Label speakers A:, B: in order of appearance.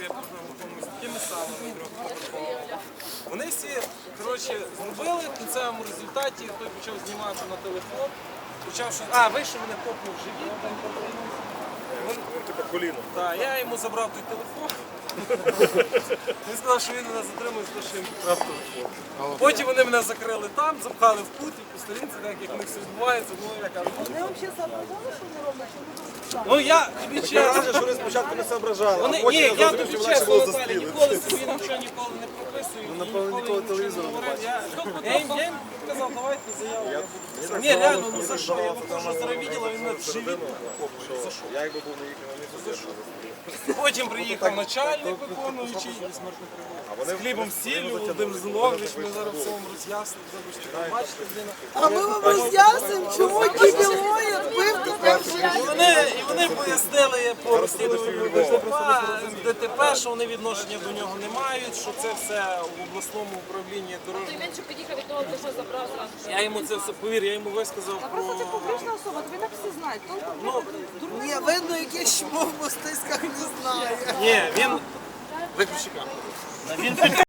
A: я пожив якомусь такими самими трьохповерховими. Вони всі, коротше, зробили в кінцевому результаті, той почав знімати на телефон, почав щось, вийшов, мене копнув в живіт.
B: Типа коліно.
A: Так, я йому забрав той телефон. Він сказав, що він мене затримує, за те, що я йому вкрав телефон. Потім вони мене закрили там, запхали в кут і по сторінці, так як в них все відбувається, я кажу,
C: Вони взагалі соображали, що вони роблять, що вони
A: ну я тобі чесно.
B: Що вони спочатку не соображали,
A: Вони,
B: а потім
A: ні, я
B: зрозумів,
A: тобі
B: що легше
A: чесно,
B: було
A: Наталя,
B: застрілити.
A: ніколи собі нічого ніколи не прописую.
B: Ну, напевно, ніколи телевізору не
A: говорив.
B: бачив.
A: Я їм казав, давайте заяву. Я буду. Ні, реально, ну за що? Я виходжу з ревіділа, він мене в живіт. За що?
B: Я якби був на їхньому місці,
A: Потім приїхав начальник виконуючий з хлібом сіллю, Володимир Зинович, ми зараз все вам роз'яснимо. Бачите, людина.
C: А ми вам роз'яснимо, чому кібілоїд бив тебе в живіт.
A: І вони пояснили по розслідуванню ДТП, що вони відношення до нього не мають, що це все в обласному управлінні дорожнього.
D: Він що під'їхав від того, що забрав зразу.
A: Я йому це все, повір, я йому висказав
E: Просто це
A: про...
E: публічна особа, тобі так всі знають.
C: Ні, видно, яке чмо в мостиськах не знає.
A: Ні, він... Виключи камеру.